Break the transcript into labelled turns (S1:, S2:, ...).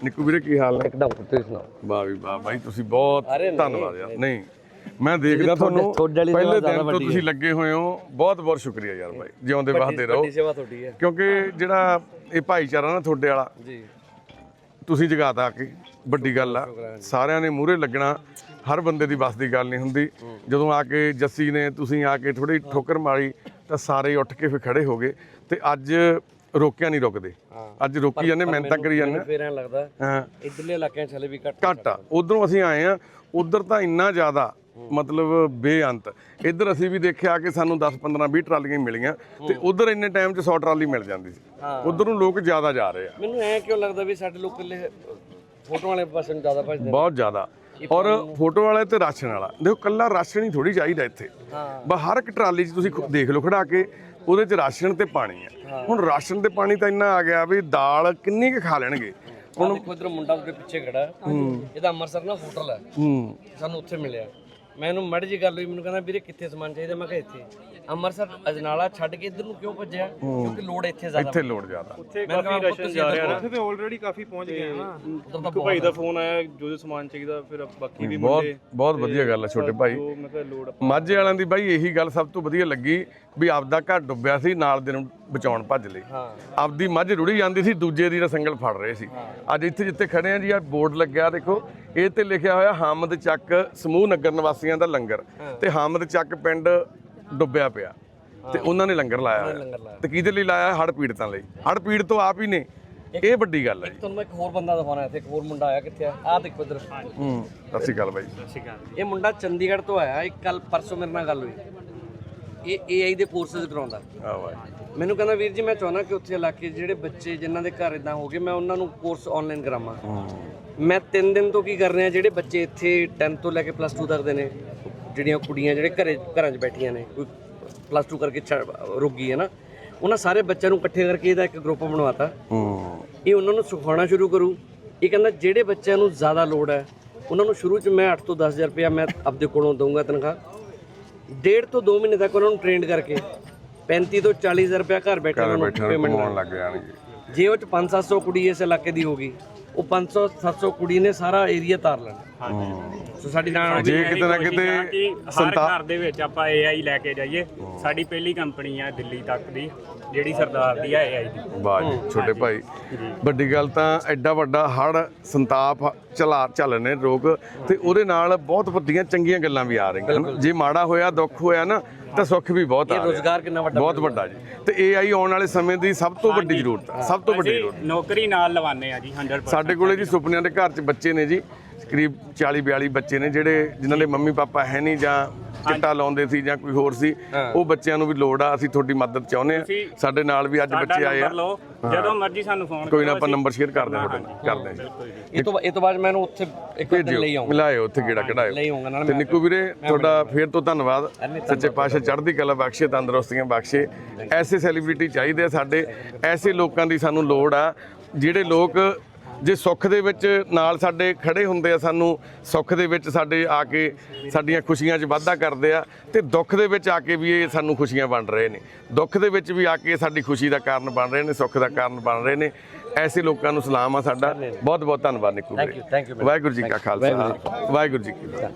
S1: ਨਿੱਕੂ ਵੀਰੇ ਕੀ ਹਾਲ ਹੈ?
S2: ਇੱਕਦਮ ਤੁਸੀਂ ਸੁਣਾਓ।
S1: ਵਾਹ ਵੀ ਵਾਹ ਬਾਈ, ਤੁਸੀਂ ਬਹੁਤ ਧੰਨਵਾਦ ਯਾਰ। ਨਹੀਂ ਮੈਂ ਦੇਖਦਾ ਤੁਹਾਨੂੰ ਪਹਿਲੇ ਦਿਨ ਤੋਂ ਤੁਸੀਂ ਲੱਗੇ ਹੋਏ ਹੋ, ਬਹੁਤ ਬਹੁਤ ਸ਼ੁਕਰੀਆ ਯਾਰ ਬਾਈ, ਜਿਉਂਦੇ ਵਸਦੇ ਰਹੋ।
S2: ਸੇਵਾ ਤੁਹਾਡੀ ਹੈ
S1: ਕਿਉਂਕਿ ਜਿਹੜਾ ਇਹ ਭਾਈਚਾਰਾ ਨਾ ਤੁਹਾਡੇ ਵਾਲਾ
S2: ਜੀ,
S1: ਤੁਸੀਂ ਜਗਾਤਾ ਆ ਕੇ, ਵੱਡੀ ਗੱਲ ਆ। ਸਾਰਿਆਂ ਨੇ ਮੂਹਰੇ ਲੱਗਣਾ, ਹਰ ਬੰਦੇ ਦੀ ਬਸ ਦੀ ਗੱਲ ਨਹੀਂ ਹੁੰਦੀ। ਜਦੋਂ ਆ ਕੇ ਜੱਸੀ ਨੇ ਤੁਸੀਂ ਆ ਕੇ ਥੋੜੀ ਠੋਕਰ ਮਾਰੀ ਤਾਂ ਸਾਰੇ ਉੱਠ ਕੇ ਫਿਰ ਖੜੇ ਹੋ ਗਏ ਤੇ ਅੱਜ ਰੋਕਿਆ ਨਹੀਂ ਰੁਕਦੇ, ਅੱਜ ਰੋਕੀ ਜਾਂਦੇ, ਮਿਹਨਤਾਂ ਕਰੀ ਜਾਂਦੇ।
S2: ਫਿਰ ਐਂ ਲੱਗਦਾ
S1: ਹਾਂ
S2: ਇਧਰਲੇ ਇਲਾਕਿਆਂ 'ਚ ਹਲੇ ਵੀ
S1: ਘੱਟ ਆ। ਉਧਰੋਂ ਅਸੀਂ ਆਏ ਆ, ਉਧਰ ਤਾਂ ਇੰਨਾ ਜ਼ਿਆਦਾ ਮਤਲਬ ਬੇਅੰਤ। ਇੱਧਰ ਅਸੀਂ ਵੀ ਦੇਖਿਆ ਕਿ ਸਾਨੂੰ 10 15 20 ਟਰਾਲੀਆਂ ਮਿਲੀਆਂ ਤੇ ਉਧਰ ਇੰਨੇ ਟਾਈਮ 'ਚ 100 ਟਰਾਲੀ ਮਿਲ ਜਾਂਦੀ ਸੀ। ਉਧਰ ਨੂੰ ਲੋਕ ਜ਼ਿਆਦਾ ਜਾ ਰਹੇ ਆ।
S2: ਮੈਨੂੰ ਐ ਕਿਉਂ ਲੱਗਦਾ ਵੀ ਸਾਡੇ ਲੋਕ ਇਕੱਲੇ ਫੋਟੋ ਵਾਲੇ ਪਾਸੇ ਨੂੰ ਜ਼ਿਆਦਾ ਭੱਜਦੇ
S1: ਬਹੁਤ ਜ਼ਿਆਦਾ। ਔਰ ਫੋਟੋ ਵਾਲੇ ਤੇ ਰਾਸ਼ਨ ਵਾਲਾ ਦੇਖੋ, ਕੱਲਾ ਰਾਸ਼ਨ ਹੀ ਥੋੜੀ ਚਾਹੀਦਾ ਇੱਥੇ। ਬਸ ਹਰ ਇੱਕ ਟਰਾਲੀ 'ਚ ਤੁਸੀਂ ਦੇਖ ਲਓ ਖੜਾ ਕੇ, ਉਹਦੇ 'ਚ ਰਾਸ਼ਨ ਤੇ ਪਾਣੀ ਆ। ਹੁਣ ਰਾਸ਼ਨ ਤੇ ਪਾਣੀ ਤਾਂ ਇੰਨਾ ਆ ਗਿਆ ਵੀ ਦਾਲ ਕਿੰਨੀ ਕੁ ਖਾ ਲੈਣਗੇ।
S2: ਹੁਣ ਦੇਖੋ ਇਧਰ ਮੁੰਡਾ ਉਹਦੇ ਪਿੱਛੇ ਖੜਾ, ਇਹਦਾ ਅੰਮ੍ਰਿਤਸਰ ਨਾ ਹੋਟਲ ਹੈ, ਸਾਨੂੰ ਉੱਥੇ ਮਿਲਿਆ। ਮੈਂ ਇਹਨੂੰ ਮੜ ਜੀ ਗੱਲ ਹੋਈ, ਮੈਨੂੰ ਕਹਿੰਦਾ ਵੀਰੇ ਕਿੱਥੇ ਸਮਾਨ ਚਾਹੀਦਾ? ਮੈਂ ਕਿਹਾ ਇੱਥੇ। ਅੰਮ੍ਰਿਤਸਰ ਅਜਨਾਲਾ ਛੱਡ ਕੇ ਇੱਧਰ ਨੂੰ ਕਿਉਂ ਭੱਜਿਆ? ਕਿਉਂਕਿ ਲੋੜ ਇੱਥੇ ਜ਼ਿਆਦਾ,
S1: ਇੱਥੇ ਲੋੜ ਜ਼ਿਆਦਾ।
S3: ਉੱਥੇ ਕਾਫੀ ਰਸ਼ਨ ਜਾ ਰਿਹਾ ਨਾ, ਉੱਥੇ ਤੇ ਆਲਰੇਡੀ ਕਾਫੀ ਪਹੁੰਚ ਗਏ ਆ ਨਾ। ਇੱਕ ਭਾਈ ਦਾ ਫੋਨ ਆਇਆ, ਜੋ ਸਮਾਨ ਚਾਹੀਦਾ, ਫਿਰ ਬਾਕੀ ਵੀ ਮੁੰਡੇ।
S1: ਬਹੁਤ ਵਧੀਆ ਗੱਲ ਹੈ ਛੋਟੇ ਭਾਈ।
S3: ਮੈਂ ਕਿਹਾ ਲੋੜ
S1: ਮਾਝੇ ਵਾਲਿਆਂ ਦੀ ਬਾਈ ਇਹੀ ਗੱਲ ਸਭ ਤੋਂ ਵਧੀਆ ਲੱਗੀ ਵੀ ਆਪਦਾ ਘਰ ਡੁੱਬਿਆ ਸੀ, ਨਾਲ ਦੇ ਨੂੰ ਬਚਾਉਣ ਭੱਜ ਲਈ। ਆਪਦੀ ਮੱਝ ਰੁੜੀ ਜਾਂਦੀ ਸੀ, ਦੂਜੇ ਦੀ ਸੰਗਲ ਫੜ ਰਹੇ ਸੀ। ਅੱਜ ਇੱਥੇ ਜਿੱਥੇ ਖੜੇ ਆ ਜੀ, ਆ ਬੋਰਡ ਲੱਗਿਆ ਦੇਖੋ, ਇਹ ਤੇ ਲਿਖਿਆ ਹੋਇਆ ਹਾਮਦ ਚੱਕ ਸਮੂਹ ਨਗਰ ਨਿਵਾਸੀਆਂ ਦਾ ਲੰਗਰ। ਤੇ ਹਾਮਦ ਚੱਕ ਪਿੰਡ ਡੁੱਬਿਆ ਪਿਆ ਤੇ ਉਹਨਾਂ ਨੇ ਲੰਗਰ ਲਾਇਆ ਹੋਇਆ। ਤੇ ਕਿਹਦੇ ਲਈ ਲਾਇਆ? ਹੜ੍ਹ ਪੀੜਤਾਂ ਲਈ। ਹੜ੍ਹ ਪੀੜਤ ਤੋਂ ਆਪ ਹੀ ਨੇ, ਇਹ ਵੱਡੀ ਗੱਲ ਹੈ ਜੀ।
S2: ਤੁਹਾਨੂੰ ਇੱਕ ਹੋਰ ਬੰਦਾ ਦਿਖਾਉਣਾ, ਇੱਥੇ ਇੱਕ ਹੋਰ ਮੁੰਡਾ ਆਇਆ। ਕਿੱਥੇ ਆ? ਆਹ ਦੇਖੋ ਇੱਧਰ।
S1: ਸਤਿ ਸ਼੍ਰੀ ਅਕਾਲ ਬਾਈ।
S2: ਇਹ ਮੁੰਡਾ ਚੰਡੀਗੜ੍ਹ ਤੋਂ ਆਇਆ। ਇੱਕ ਕੱਲ ਪਰਸੋਂ ਮੇਰੇ ਨਾਲ ਗੱਲ ਹੋਈ। ਇਹ AI ਦੇ ਕੋਰਸਿਸ ਕਰਾਉਂਦਾ। ਮੈਨੂੰ ਕਹਿੰਦਾ ਵੀਰ ਜੀ ਮੈਂ ਚਾਹੁੰਦਾ ਕਿ ਉੱਥੇ ਇਲਾਕੇ ਜਿਹੜੇ ਬੱਚੇ ਜਿਨ੍ਹਾਂ ਦੇ ਘਰ ਇਦਾਂ ਹੋ ਗਏ, ਮੈਂ ਉਹਨਾਂ ਨੂੰ ਕੋਰਸ ਆਨਲਾਈਨ ਕਰਾਵਾਂ। ਮੈਂ 3 ਦਿਨ ਤੋਂ ਕੀ ਕਰ ਰਿਹਾ, ਜਿਹੜੇ ਬੱਚੇ ਇੱਥੇ 10 ਤੋਂ ਲੈ ਕੇ +2 ਤੱਕ ਦੇ ਨੇ, ਜਿਹੜੀਆਂ ਕੁੜੀਆਂ ਜਿਹੜੇ ਘਰਾਂ 'ਚ ਬੈਠੀਆਂ ਨੇ, ਕੋਈ +2 ਕਰਕੇ ਰੁਕ ਗਈ ਹੈ ਨਾ, ਉਹਨਾਂ ਸਾਰੇ ਬੱਚਿਆਂ ਨੂੰ ਇਕੱਠੇ ਕਰਕੇ ਇਹਦਾ ਇੱਕ ਗਰੁੱਪ ਬਣਵਾਤਾ। ਇਹ ਉਹਨਾਂ ਨੂੰ ਸਿਖਾਉਣਾ ਸ਼ੁਰੂ ਕਰੂ। ਇਹ ਕਹਿੰਦਾ ਜਿਹੜੇ ਬੱਚਿਆਂ ਨੂੰ ਜ਼ਿਆਦਾ ਲੋੜ ਹੈ ਉਹਨਾਂ ਨੂੰ ਸ਼ੁਰੂ 'ਚ ਮੈਂ 8 ਤੋਂ 10 ਹਜ਼ਾਰ ਰੁਪਇਆ ਮੈਂ ਆਪਦੇ ਕੋਲੋਂ ਦਊਂਗਾ ਤਨਖਾਹ। 1.5 ਤੋਂ 2 ਮਹੀਨੇ ਤੱਕ ਉਹਨਾਂ ਨੂੰ ਟ੍ਰੇਨਡ ਕਰਕੇ 35 ਤੋਂ 40 ਹਜ਼ਾਰ ਰੁਪਇਆ ਘਰ ਬੈਠੇ ਉਹਨਾਂ ਨੂੰ ਪੇਮੈਂਟ
S1: ਲੱਗ ਜਾਣਗੇ।
S2: ਜੇ ਉਹ 'ਚ 500-700 ਕੁੜੀ ਇਸ ਇਲਾਕੇ ਦੀ ਹੋਗੀ, ਉਹ 500-700 ਕੁੜੀ ਨੇ ਸਾਰਾ ਏਰੀਆ ਤਾਰ ਲੈਣਾ। ਸੋ ਸਾਡੀ ਨਾਲ
S1: ਜੇ ਕਿਤੇ ਨਾ ਕਿਤੇ
S3: ਹਰ ਘਰ ਦੇ ਵਿੱਚ ਆਪਾਂ AI ਲੈ ਕੇ ਜਾਈਏ। ਸਾਡੀ ਪਹਿਲੀ ਕੰਪਨੀ ਆ ਦਿੱਲੀ ਤੱਕ ਦੀ, ਜਿਹੜੀ ਸਰਦਾਰ ਦੀ ਆ AI ਦੀ।
S1: ਵਾਹ ਜੀ ਛੋਟੇ ਭਾਈ, ਵੱਡੀ ਗੱਲ ਤਾਂ ਐਡਾ ਵੱਡਾ ਹੜ੍ਹ ਸੰਤਾਪ ਚੱਲ ਨੇ ਲੋਕ, ਤੇ ਉਹਦੇ ਨਾਲ ਬਹੁਤ ਵੱਡੀਆਂ ਚੰਗੀਆਂ ਗੱਲਾਂ ਵੀ ਆ ਰਹੀਆਂ ਹਨ। ਜੇ ਮਾੜਾ ਹੋਇਆ, ਦੁੱਖ ਹੋਇਆ ਨਾ, ਤਾਂ ਸੁੱਖ ਵੀ ਬਹੁਤ ਆ ਰਿਹਾ।
S2: ਰੋਜ਼ਗਾਰ ਕਿੰਨਾ ਵੱਡਾ,
S1: ਬਹੁਤ ਵੱਡਾ ਜੀ। ਤੇ AI ਆਉਣ ਵਾਲੇ ਸਮੇਂ ਦੀ ਸਭ ਤੋਂ ਵੱਡੀ ਜ਼ਰੂਰਤ ਹੈ, ਸਭ ਤੋਂ ਵੱਡੀ ਜ਼ਰੂਰਤ।
S3: ਨੌਕਰੀ ਨਾਲ ਲਵਾਨੇ ਆ ਜੀ 100%।
S1: ਸਾਡੇ ਕੋਲੇ ਜੀ ਸੁਪਨਿਆਂ ਦੇ ਘਰ 'ਚ ਬੱਚੇ ਨੇ ਜੀ, ਕਰੀਬ 40-42 ਬੱਚੇ ਨੇ ਜਿਹੜੇ ਜਿਨ੍ਹਾਂ ਦੇ ਮੰਮੀ ਪਾਪਾ ਹੈ ਨਹੀਂ, ਜਾਂ ਚਿੱਟਾ ਲਾਉਂਦੇ ਸੀ ਜਾਂ ਕੋਈ ਹੋਰ ਸੀ। ਉਹ ਬੱਚਿਆਂ ਨੂੰ ਵੀ ਲੋੜ ਆ, ਅਸੀਂ ਤੁਹਾਡੀ ਮਦਦ ਚਾਹੁੰਦੇ ਆ। ਸਾਡੇ ਨਾਲ ਵੀ ਅੱਜ ਬੱਚੇ ਆਏ ਆ।
S3: ਜਦੋਂ ਮਰਜ਼ੀ ਸਾਨੂੰ ਫੋਨ
S1: ਕੋਈ ਨਾ, ਆਪਾਂ ਨੰਬਰ ਸ਼ੇਅਰ ਕਰਦੇ ਹਾਂ ਤੁਹਾਡੇ ਨਾਲ, ਕਰਦੇ ਹਾਂ ਜੀ।
S2: ਇਹ ਤੋਂ ਬਾਅਦ ਮੈਂ ਇਹਨੂੰ ਉੱਥੇ ਇੱਕ ਦਿਨ ਲਈ ਆਉਂਗਾ,
S1: ਮਿਲਾਇਓ ਉੱਥੇ ਗੇੜਾ ਕਢਾਇਓ।
S2: ਲਈ ਆਉਂਗਾ ਨਾਲ।
S1: ਤੇ ਨਿੱਕੂ ਵੀਰੇ ਤੁਹਾਡਾ ਫੇਰ ਤੋਂ ਧੰਨਵਾਦ। ਸੱਚੇ ਪਾਤਸ਼ਾਹ ਚੜ੍ਹਦੀ ਕਲਾ ਬਖਸ਼ੇ, ਤੰਦਰੁਸਤੀਆਂ ਬਖਸ਼ੇ। ਐਸੇ ਸੈਲੀਬ੍ਰਿਟੀ ਚਾਹੀਦੇ ਆ ਸਾਡੇ, ਐਸੇ ਲੋਕਾਂ ਦੀ ਸਾਨੂੰ ਲੋੜ ਆ, ਜਿਹੜੇ ਲੋਕ ਜੇ ਸੁੱਖ ਦੇ ਵਿੱਚ ਨਾਲ ਸਾਡੇ ਖੜੇ ਹੁੰਦੇ ਆ, ਸਾਨੂੰ ਸੁੱਖ ਦੇ ਵਿੱਚ ਸਾਡੇ ਆ ਕੇ ਸਾਡੀਆਂ ਖੁਸ਼ੀਆਂ 'ਚ ਵਾਧਾ ਕਰਦੇ ਆ, ਤੇ ਦੁੱਖ ਦੇ ਵਿੱਚ ਆ ਕੇ ਵੀ ਇਹ ਸਾਨੂੰ ਖੁਸ਼ੀਆਂ ਵੰਡ ਰਹੇ ਨੇ। ਦੁੱਖ ਦੇ ਵਿੱਚ ਵੀ ਆ ਕੇ ਸਾਡੀ ਖੁਸ਼ੀ ਦਾ ਕਾਰਨ ਬਣ ਰਹੇ ਨੇ, ਸੁੱਖ ਦਾ ਕਾਰਨ ਬਣ ਰਹੇ ਨੇ। ਐਸੇ ਲੋਕਾਂ ਨੂੰ ਸਲਾਮ ਆ ਸਾਡਾ। ਬਹੁਤ ਬਹੁਤ ਧੰਨਵਾਦ ਨਿੱਕੂ ਵੀਰੇ। ਵਾਹਿਗੁਰੂ ਜੀ ਕਾ ਖਾਲਸਾ, ਵਾਹਿਗੁਰੂ ਜੀ ਕੀ ਫਤਿਹ।